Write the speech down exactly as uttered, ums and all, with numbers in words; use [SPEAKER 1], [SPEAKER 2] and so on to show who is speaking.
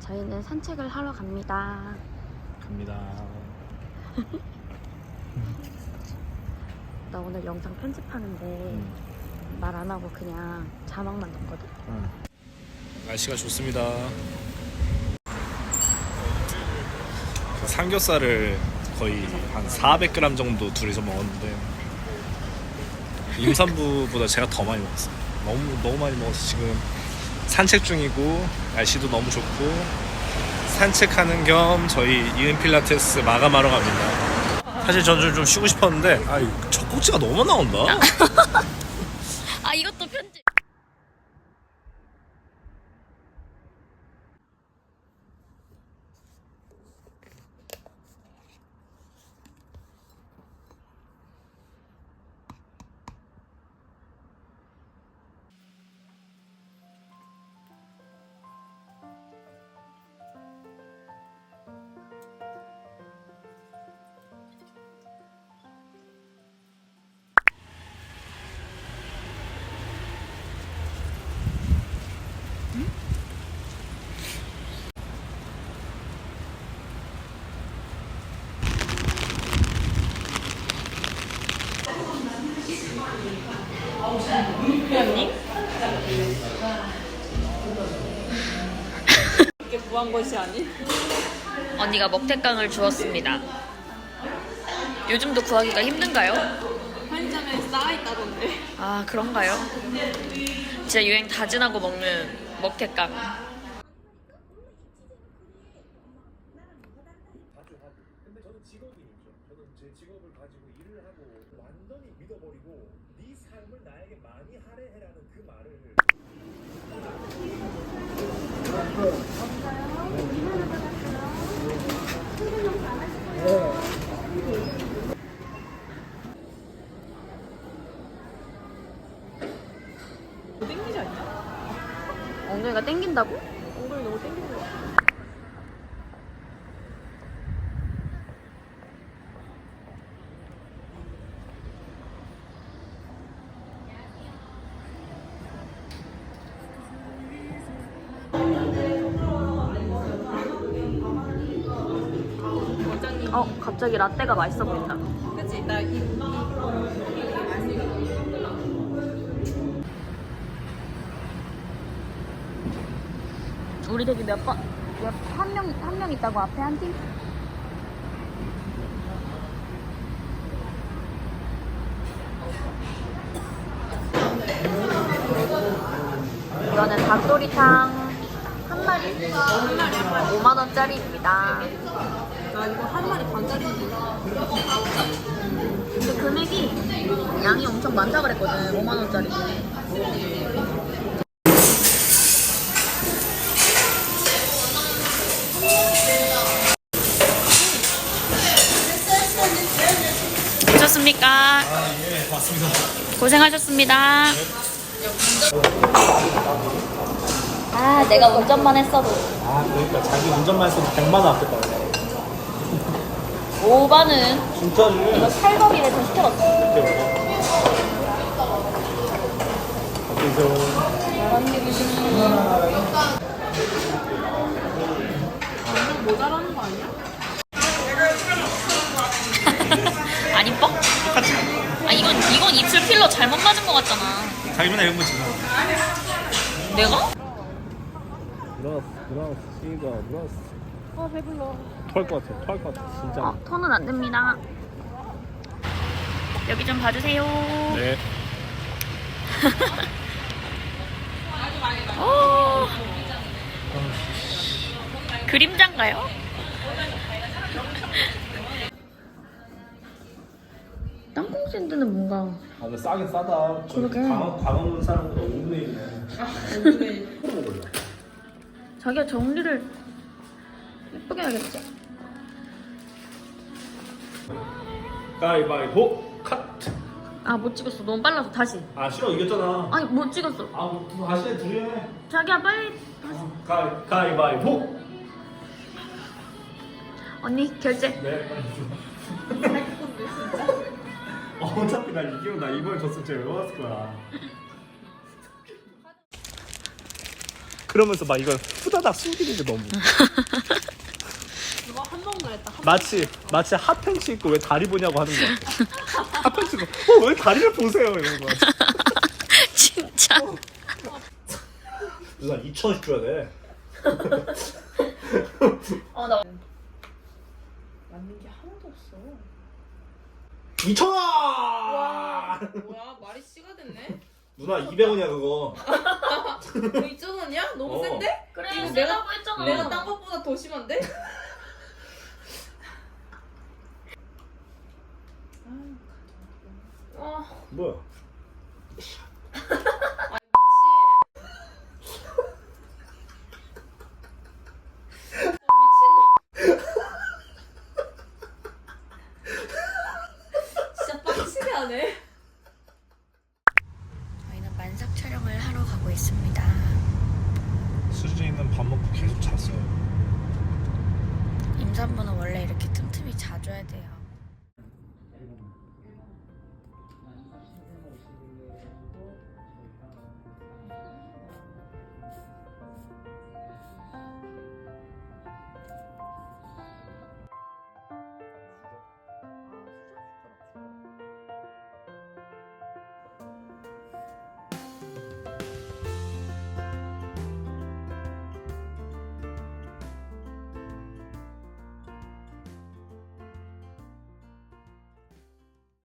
[SPEAKER 1] 저희는 산책을 하러 갑니다.
[SPEAKER 2] 갑니다.
[SPEAKER 1] 나 오늘 영상 편집하는데
[SPEAKER 2] 음.
[SPEAKER 1] 말 안 하고 그냥 자막만 넣었거든?
[SPEAKER 2] 응. 날씨가 좋습니다. 삼겹살을 거의 한 사백 그램 정도 둘이서 먹었는데 임산부보다 제가 더 많이 먹었어요. 너무 너무 많이 먹어서 지금 산책 중이고 날씨도 너무 좋고 산책하는 겸 저희 이은 필라테스 마감하러 갑니다. 사실 저는 좀 쉬고 싶었는데 아, 젖꼭지가 너무 나온다.
[SPEAKER 1] 아 이것도 편집. 언니?
[SPEAKER 3] 이게 구한 것이 아닌?
[SPEAKER 1] 언니가 먹태깡을 주었습니다. 요즘도 구하기가 힘든가요?
[SPEAKER 3] 편의점에 쌓아있다던데.
[SPEAKER 1] 아 그런가요? 진짜 유행 다 지나고 먹는 먹태깡.
[SPEAKER 2] 근데 저는 직업인이죠. 저는 제 직업을 가지고 일을 하고 완전히 믿어버리고 네 삶을 나에게 많이 할애해라는 그 말을
[SPEAKER 3] 뭐 땡기지 않냐?
[SPEAKER 1] 엉덩이가 땡긴다고?
[SPEAKER 3] 엉덩이 너무 땡기는 거 같아.
[SPEAKER 1] 어 갑자기 라떼가 맛있어 보인다.
[SPEAKER 3] 그치? 나 이, 이,
[SPEAKER 1] 우리 저기 몇 번, 한 명, 한 명 있다고 앞에 한 팀? 이거는 닭도리탕 한 마리 오만 원짜리입니다.
[SPEAKER 3] 나 이거 한 마리 반짜리인데.
[SPEAKER 1] 근데 금액이 양이 엄청 많다 그랬거든. 오만 원짜리. 오셨습니까?
[SPEAKER 2] 아, 예, 맞습니다.
[SPEAKER 1] 고생하셨습니다. 아, 내가 운전만 했어도.
[SPEAKER 2] 아, 그러니까 자기 운전만 했어도 백만 원 아꼈다.
[SPEAKER 1] 오바는
[SPEAKER 2] 진짜지?
[SPEAKER 1] 이거 살거리를 좀 시켜봤어.
[SPEAKER 2] 이렇게 먹어.
[SPEAKER 3] 완전 모자라는 거 아니야?
[SPEAKER 1] 안 이뻐?
[SPEAKER 2] 똑같이.
[SPEAKER 1] 아, 이건, 이건 입술 필러 잘못 맞은 것 같잖아.
[SPEAKER 2] 자기 맨날 이런 거 지금.
[SPEAKER 1] 내가?
[SPEAKER 2] 브라스, 브라스, 씨가 브라스.
[SPEAKER 3] 아 배불러.
[SPEAKER 2] 토할 것 같아, 토할 것 같아, 진짜.
[SPEAKER 1] 어, 톤은 안 됩니다. 여기 좀 봐주세요.
[SPEAKER 2] 네.
[SPEAKER 1] 오. 그림자인가요? 땅콩 샌드는 뭔가
[SPEAKER 2] 아, 근데 싸긴 싸다.
[SPEAKER 1] 그러게.
[SPEAKER 2] 광화, 광화문 사람보다 오분의 일이네. 먹을래.
[SPEAKER 1] 자기가 정리를 예쁘게 해야겠지.
[SPEAKER 2] 가위바위보 컷.
[SPEAKER 1] 아 못 찍었어. 너무 빨라서 다시.
[SPEAKER 2] 아 싫어, 이겼잖아.
[SPEAKER 1] 아니 못 찍었어.
[SPEAKER 2] 아, 뭐, 다시 해, 둘이 해.
[SPEAKER 1] 자기야 빨리.
[SPEAKER 2] 가위, 가위바위보.
[SPEAKER 1] 언니 결제.
[SPEAKER 2] 네. 어, 어차피 나 이기면 나 이번에 졌으면 제가 외웠을 거야. 그러면서 막 이걸 후다닥 숨기는 게 너무
[SPEAKER 3] 이거 한 번만 했다. 한
[SPEAKER 2] 마치 마치 핫팬츠 입고 왜 다리 보냐고 하는 거야. 핫팬츠 입고 어왜 다리를 보세요 이런 거.
[SPEAKER 1] 진짜.
[SPEAKER 2] 누나 이천 원씩 줘야 돼.
[SPEAKER 1] 어, 나.
[SPEAKER 3] 맞는 게 하나도 없어.
[SPEAKER 2] 이천 원!
[SPEAKER 3] 와, 뭐야 말이 씨가 됐네.
[SPEAKER 2] 누나 이백 원이야 그거.
[SPEAKER 3] 뭐 이천 원이야? 너무
[SPEAKER 2] 어.
[SPEAKER 3] 센데?
[SPEAKER 1] 그래,
[SPEAKER 3] 이거
[SPEAKER 1] 내가 했잖아.
[SPEAKER 3] 내가 딴 것보다 더 심한데? 와,
[SPEAKER 2] 뭐야?
[SPEAKER 3] 진짜 빡치게 하네.
[SPEAKER 1] 저희는 만삭 촬영을 하러 가고 있습니다.
[SPEAKER 2] 수진이는 밥 먹고 계속 잤어요.
[SPEAKER 1] 임산부는 원래 이렇게 틈틈이 자줘야 돼요.